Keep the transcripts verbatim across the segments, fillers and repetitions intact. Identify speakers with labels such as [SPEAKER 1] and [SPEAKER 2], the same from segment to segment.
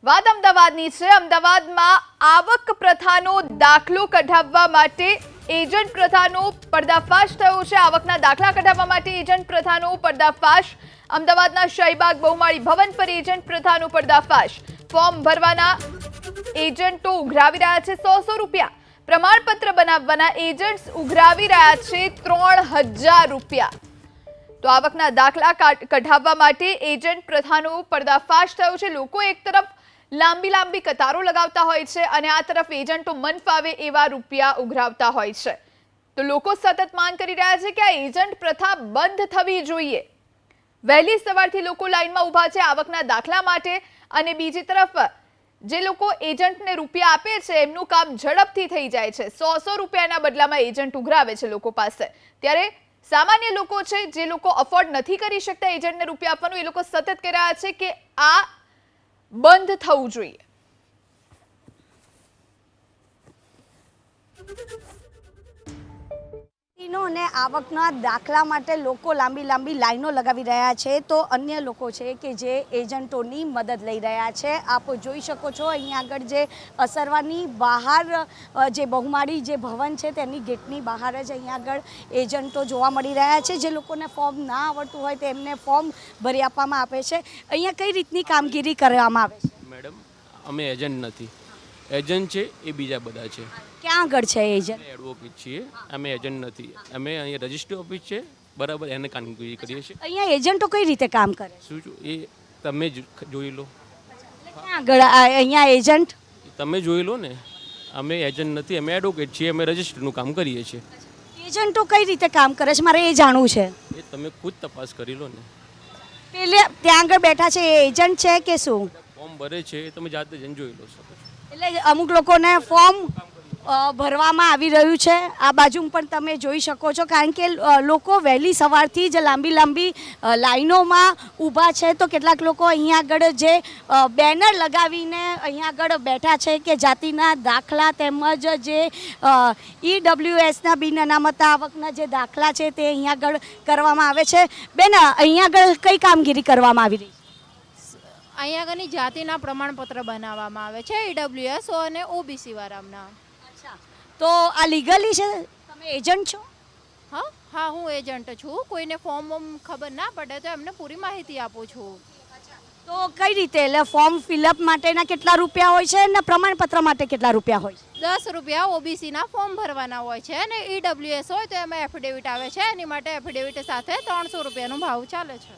[SPEAKER 1] વાત અમદાવાદની છે। અમદાવાદમાં આવક પ્રથાનો દાખલો કઢાવવા માટે એજન્ટ પ્રથાનો પર્દાફાશ થયો છે। આવકના દાખલા કઢાવવા માટે એજન્ટ પ્રથાનો પર્દાફાશ। અમદાવાદના શાહીબાગ બહુમાળી ભવન પર એજન્ટ પ્રથાનો પર્દાફાશ। ફોર્મ ભરવાના એજન્ટો ઉઘરાવી રહ્યા છે સો સો રૂપિયા। પ્રમાણપત્ર બનાવવાના એજન્ટ્સ ઉઘરાવી રહ્યા છે ત્રણ હજાર રૂપિયા। તો આવકના દાખલા કઢાવવા માટે એજન્ટ પ્રથાનો પર્દાફાશ થયો છે। લોકો એક તરફ લાંબી લાંબી કતારો લગાવતા હોય છે અને આ તરફ એજન્ટો મન ફાવે એવા રૂપિયા ઉઘરાવતા હોય છે। તો લોકો સતત માંગ કરી રહ્યા છે કે આ એજન્ટ પ્રથા બંધ થવી જોઈએ। વહેલી સવારથી લોકો લાઈનમાં ઊભા છે આવકના દાખલા માટે અને બીજી તરફ જે લોકો એજન્ટને રૂપિયા આપે છે એમનું કામ ઝડપથી થઈ જાય છે। સો સો રૂપિયાના બદલામાં એજન્ટ ઉઘરાવે છે લોકો પાસે। ત્યારે સામાન્ય લોકો છે જે લોકો અફોર્ડ નથી કરી શકતા એજન્ટને રૂપિયા આપવાનું, એ લોકો સતત કહી રહ્યા છે કે આ બંધ થવું જોઈએ।
[SPEAKER 2] અને આવકના દાખલા માટે લોકો લાંબી લાંબી લાઈનો લગાવી રહ્યા છે, તો અન્ય લોકો છે કે જે એજન્ટોની મદદ લઈ રહ્યા છે। આપ જોઈ શકો છો અહીંયા આગળ જે અસરવાની બહાર જે બહુમાળી જે ભવન છે તેની ગેટની બહાર જ અહીંયા આગળ એજન્ટો જોવા મળી રહ્યા છે। જે લોકોને ફોર્મ ના આવડતું હોય તેમને ફોર્મ ભરી આપવામાં આવે છે। અહીંયા કઈ રીતની કામગીરી કરવામાં આવે છે?
[SPEAKER 3] મેડમ, અમે એજન્ટ નથી, એજન્ટ છે એ બીજા બધા છે।
[SPEAKER 2] ક્યાં આગળ છે એજન્ટ?
[SPEAKER 3] એડવોકેટ છીએ, અમે એજન્ટ નથી। અમે અહીંયા રજિસ્ટ્રી ઓફિસ છે બરાબર, એને કામગીરી કરીએ છીએ।
[SPEAKER 2] અહીંયા એજન્ટો કઈ રીતે કામ કરે?
[SPEAKER 3] શું એ તમે જ જોઈ લો।
[SPEAKER 2] ક્યાં આગળ અહીંયા એજન્ટ?
[SPEAKER 3] તમે જોઈ લો ને, અમે એજન્ટ નથી, અમે એડવોકેટ છીએ, અમે રજિસ્ટ્રીનું કામ કરીએ છીએ।
[SPEAKER 2] એજન્ટો કઈ રીતે કામ કરે છે મારે એ જાણવું છે।
[SPEAKER 3] એ તમે ખુદ તપાસ કરી લો ને।
[SPEAKER 2] પેલે ત્યાં આગળ બેઠા છે એ એજન્ટ છે કે શું?
[SPEAKER 3] ફોર્મ ભરે છે એ તમે જાતે જઈને જોઈ લો શકો।
[SPEAKER 2] એટલે અમુક લોકોને ફોર્મ ભરવામાં આવી રહ્યું છે। આ બાજુ પણ તમે જોઈ શકો છો, કારણ કે લોકો વહેલી સવારથી જ લાંબી લાંબી લાઈનોમાં ઊભા છે। તો કેટલાક લોકો અહીંયા આગળ જે બેનર લગાવીને અહીંયા આગળ બેઠા છે કે જાતિના દાખલા તેમજ જે ઈડબ્લ્યુએસના બિન અનામત આવકના જે દાખલા છે તે અહીંયા આગળ કરવામાં આવે છે। બેન, અહીંયા આગળ કઈ કામગીરી કરવામાં આવી રહી છે?
[SPEAKER 4] અહીંયા આગળની જાતિના પ્રમાણપત્ર બનાવવામાં આવે છે ઈડબ્લ્યુએસ અને ઓબીસી વાળાના।
[SPEAKER 2] તો આ લીગલી છે? તમે એજન્ટ છો?
[SPEAKER 4] હા હા હું એજન્ટ છું। કોઈને ફોર્મ વોર્મ ખબર ના પડે તો એમને પૂરી માહિતી આપું છું।
[SPEAKER 2] તો કઈ રીતે, એટલે ફોર્મ ફિલઅપ માટેના કેટલા રૂપિયા હોય છે અને પ્રમાણપત્ર માટે કેટલા રૂપિયા હોય છે?
[SPEAKER 4] દસ રૂપિયા ઓબીસીના ફોર્મ ભરવાના હોય છે અને ઈડબ્લ્યુએસ હોય તો એમાં એફિડેવિટ આવે છે, એની માટે એફિડેવિટ સાથે ત્રણસો રૂપિયાનો ભાવ ચાલે છે।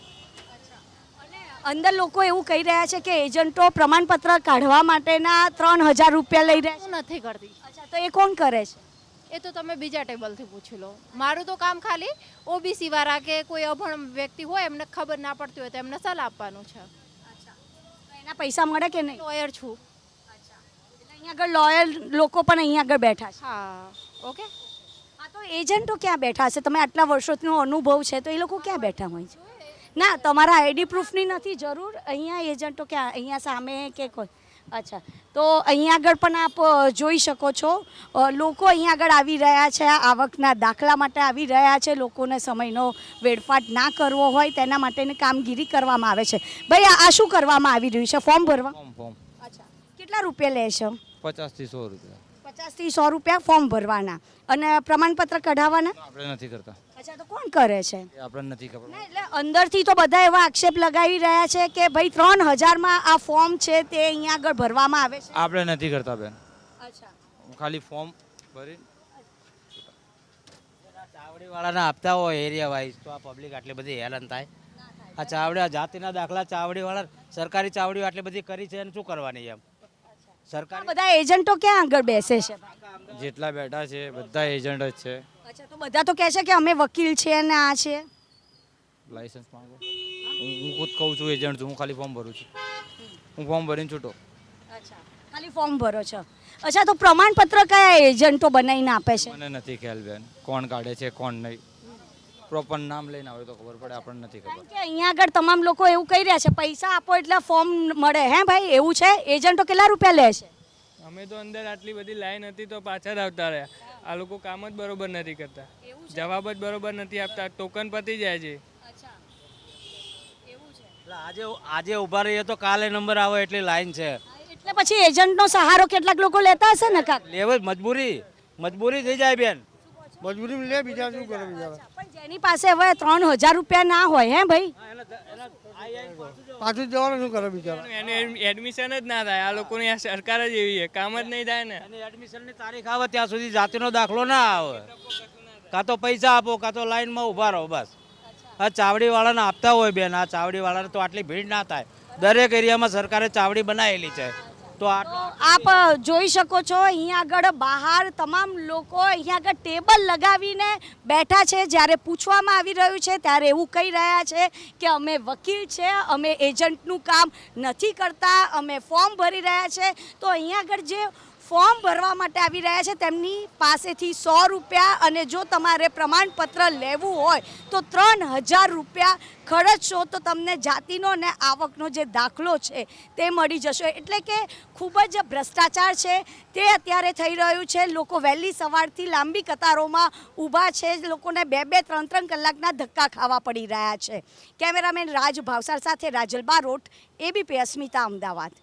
[SPEAKER 2] અંદર લોકો એવું કહી રહ્યા છે કે એજન્ટો પ્રમાણપત્ર કાઢવા માટેના ત્રણ હજાર રૂપિયા લઈ રહ્યા છે।
[SPEAKER 4] હું નથી કરતી।
[SPEAKER 2] અચ્છા, તો એ કોણ કરે છે?
[SPEAKER 4] એ તો તમે બીજા ટેબલથી પૂછી લો। મારું તો કામ ખાલી ઓબીસી વાળા કે કોઈ અભણ વ્યક્તિ હોય એમને ખબર ના પડતી હોય તો એમને સલાહ આપવાનું છે।
[SPEAKER 2] તો એના પૈસા મળે કે નહીં?
[SPEAKER 4] લોયર છું।
[SPEAKER 2] એટલે અહીંયા આગળ લોયર લોકો પણ અહીંયા આગળ બેઠા છે?
[SPEAKER 4] હા ઓકે।
[SPEAKER 2] હા, તો એજન્ટો ક્યાં બેઠા છે? તમે આટલા વર્ષોનો અનુભવ છે તો એ લોકો ક્યાં બેઠા હોય છે? ના, તમારા આઈડી પ્રૂફની નથી જરૂર। અહીંયા એજન્ટો ક્યાં, અહીંયા સામે કે કોઈ? અચ્છા, તો અહીંયા આગળ પણ આપ જોઈ શકો છો લોકો અહીંયા આગળ આવી રહ્યા છે, આવકના દાખલા માટે આવી રહ્યા છે। લોકોને સમયનો વેડફાટ ના કરવો હોય તેના માટેની કામગીરી કરવામાં આવે છે। ભાઈ, આ શું કરવામાં આવી રહ્યું છે? ફોર્મ ભરવા?
[SPEAKER 5] ફોર્મ ફોર્મ
[SPEAKER 2] અચ્છા, કેટલા રૂપિયા લે છે?
[SPEAKER 5] પચાસથી સો રૂપિયા।
[SPEAKER 2] પચાસથી સો રૂપિયા ફોર્મ ભરવાના અને પ્રમાણપત્ર કઢાવવાના?
[SPEAKER 5] આપણે નથી કરતા।
[SPEAKER 2] અચ્છા, તો કોણ કરે છે?
[SPEAKER 5] એ આપણને નથી ખબર।
[SPEAKER 2] ના, એટલે અંદરથી તો બધા એવા આક્ષેપ લગાવી રહ્યા છે કે ભાઈ ત્રણ હજારમાં આ ફોર્મ છે તે અહીંયા આગળ ભરવામાં આવે છે।
[SPEAKER 5] આપણે નથી કરતા બેન।
[SPEAKER 2] અચ્છા,
[SPEAKER 5] ખાલી ફોર્મ ભરી ચાવડી વાળાના આપતા હોય એરિયા વાઇઝ તો આ પબ્લિક આટલી બધી હેરાન થાય। આ ચાવડી જાતિના દાખલા ચાવડી વાળા સરકારી ચાવડીઓ આટલી બધી કરી છે અને શું કરવાની એમ? સરકારી
[SPEAKER 2] બધા એજન્ટો ક્યાં આગળ બેસે છે?
[SPEAKER 5] જેટલા બેઠા છે બધા એજન્ટ જ છે।
[SPEAKER 2] અચ્છા, તો બધા તો કહે છે કે અમે વકીલ છીએ અને આ છે।
[SPEAKER 5] લાયસન્સ માંગો। હું હું ખુદ કહું છું એજન્ટ છું, હું ખાલી ફોર્મ ભરું છું। હું ફોર્મ ભરીને છૂટો।
[SPEAKER 2] અચ્છા, ખાલી ફોર્મ ભરો છો? અચ્છા, તો પ્રમાણપત્ર કયા એજન્ટો બનાવીને આપે છે?
[SPEAKER 5] મને નથી ખ્યાલ બેન કોણ કાઢે છે કોણ નહીં। પ્રોપર નામ લઈને આવે તો ખબર પડે, આપણને નથી ખબર।
[SPEAKER 2] કે અહીંયા આગળ તમામ લોકો એવું કહી રહ્યા છે પૈસા આપો એટલે ફોર્મ મળે। હે ભાઈ, એવું છે? એજન્ટો કેટલા રૂપિયા લે છે?
[SPEAKER 6] અમે તો અંદર આટલી બધી લાઈન હતી તો પાછળ આવતા રહ્યા। આ લોકો કામ જ બરોબર નથી કરતા, જવાબ જ બરોબર નથી આપતા, ટોકન પતી જાય છે।
[SPEAKER 5] આજે આજે ઊભા રહીએ તો કાલે નંબર આવે એટલી લાઈન છે।
[SPEAKER 2] એટલે પછી એજન્ટનો સહારો કેટલાક લોકો લેતા હશે ને કાક
[SPEAKER 5] લેવું જ મજબૂરી મજબૂરી થઈ જાય બેન.
[SPEAKER 7] મજબૂરી લે, બીજા શું કરે બિચારા.
[SPEAKER 2] પણ જેની પાસે હવે ત્રણ હજાર રૂપિયા ના હોય હે ભાઈ,
[SPEAKER 7] પાછું જવાનું શું કરે બિચારા.
[SPEAKER 6] એને એડમિશન જ ના થાય. આ લોકોની આ સરકાર જ એવી છે, કામ જ નહીં થાય ને.
[SPEAKER 5] અને એડમિશનની તારીખ આવે ત્યાં સુધી જાતિનો દાખલો ના આવે. કાં તો પૈસા આપો કાં તો લાઈનમાં ઊભા રહો બસ. આ ચાવડીવાળાને આપતા હોય બેન, આ ચાવડીવાળાને તો આટલી ભીડ ના થાય. દરેક એરિયામાં સરકારે ચાવડી બનાવેલી છે. તો આટલો
[SPEAKER 2] આપ જોઈ શકો છો અહીંયા આગળ બહાર તમામ લોકો અહીંયા આગળ ટેબલ લગાવીને બેઠા છે. જ્યારે પૂછવામાં આવી રહ્યું છે ત્યારે એવું કહી રહ્યા છે કે અમે વકીલ છે, અમે એજન્ટનું કામ નથી કરતા, અમે ફોર્મ ભરી રહ્યા છે. તો અહીંયા આગળ જે ફોર્મ ભરવા માટે આવી રહ્યા છે તેમની પાસેથી સો રૂપિયા અને જો તમારે પ્રમાણપત્ર લેવું હોય તો ત્રણ હજાર રૂપિયા ખર્ચશો તો તમને જાતિનો અને આવકનો જે દાખલો છે તે મળી જશે. એટલે કે ખૂબ જ ભ્રષ્ટાચાર છે તે અત્યારે થઈ રહ્યું છે. લોકો વહેલી સવારથી લાંબી કતારોમાં ઊભા છે, લોકોને બે બે ત્રણ ત્રણ કલાકના ધક્કા ખાવા પડી રહ્યા છે. કેમેરામેન રાજ ભાવસાર સાથે રાજલ બારોટ, એબીપી અસ્મિતા, અમદાવાદ.